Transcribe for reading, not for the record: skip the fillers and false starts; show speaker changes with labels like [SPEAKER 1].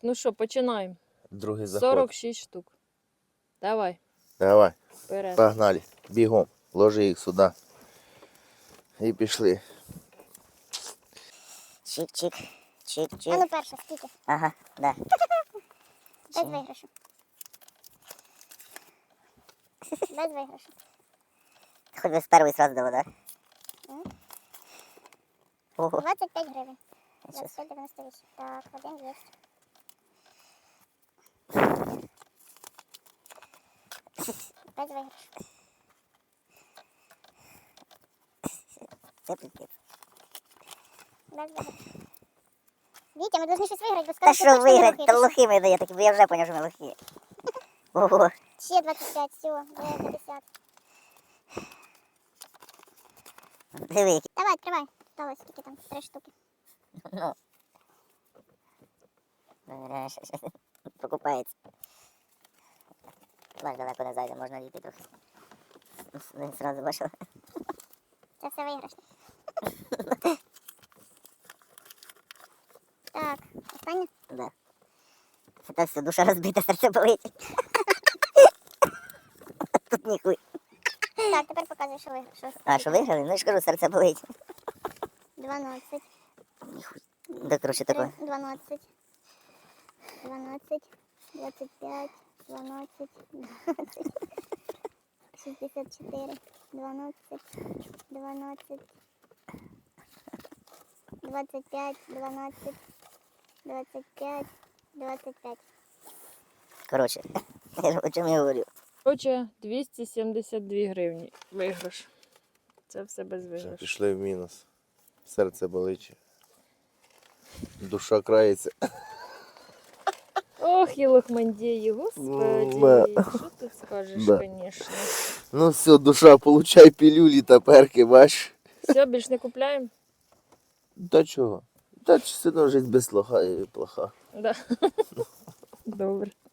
[SPEAKER 1] ну що, починаємо.
[SPEAKER 2] Другий заход.
[SPEAKER 1] 46 штук. Давай,
[SPEAKER 2] Давай,
[SPEAKER 1] вперед.
[SPEAKER 2] погнали. Бігом. Ложи їх сюди. І пішли.
[SPEAKER 3] Чик-чик. Чик-чик.
[SPEAKER 4] А ну перша, скільки?
[SPEAKER 3] Ага, да.
[SPEAKER 4] Без виграшу. Без виграшу.
[SPEAKER 3] Хоть бы с первой сразу дала, да?
[SPEAKER 4] Мгм.
[SPEAKER 3] Ого.
[SPEAKER 4] 25 гривень.
[SPEAKER 3] Сейчас.
[SPEAKER 4] 25,98. Так, один є. Без виграшу.
[SPEAKER 3] Це прикид.
[SPEAKER 4] Без виграшу. Вітя, ми повинні щось виграти, бо
[SPEAKER 3] Та
[SPEAKER 4] скажуть,
[SPEAKER 3] що виграти? Та лохи ми дає, бо я вже поняв, що ми лохи. Ого.
[SPEAKER 4] Ще 25, все, 50.
[SPEAKER 3] Диви, які.
[SPEAKER 4] Давай, відкривай. Осталось скільки там? 3 штуки.
[SPEAKER 3] Ну. Покупається. Бач, далеко не зайде, можна дійти трохи. Не сразу бачила.
[SPEAKER 4] Це все виграшне. Так, останнє?
[SPEAKER 3] Да. Та все, душа розбита, серце болить. Тут ніхуй.
[SPEAKER 4] Так, тепер показуй, що виграш.
[SPEAKER 3] А, що виграли? Ну я ж кажу, серце болить.
[SPEAKER 4] 12.
[SPEAKER 3] Ніхуй. Да, коротше, таке.
[SPEAKER 4] 12. 12. 25. 12. 20. 64. 12. 12. 25. 12. 25. 25.
[SPEAKER 3] Коротше, о чому я говорю?
[SPEAKER 1] Короче, 272 гривні виграш. Це все без
[SPEAKER 2] Все,
[SPEAKER 1] виграшу.
[SPEAKER 2] пішли в мінус. Серце болить. Душа крається.
[SPEAKER 1] Ох, і лохмандії, господи.
[SPEAKER 2] Да.
[SPEAKER 1] Що ти скажеш,
[SPEAKER 2] Да.
[SPEAKER 1] звісно.
[SPEAKER 2] Ну все, душа, получай пілюлі та перки, бач.
[SPEAKER 1] Все, більш не купляємо?
[SPEAKER 2] Та чого? Та все одно жить без лоха і плоха.
[SPEAKER 1] Да. Добре.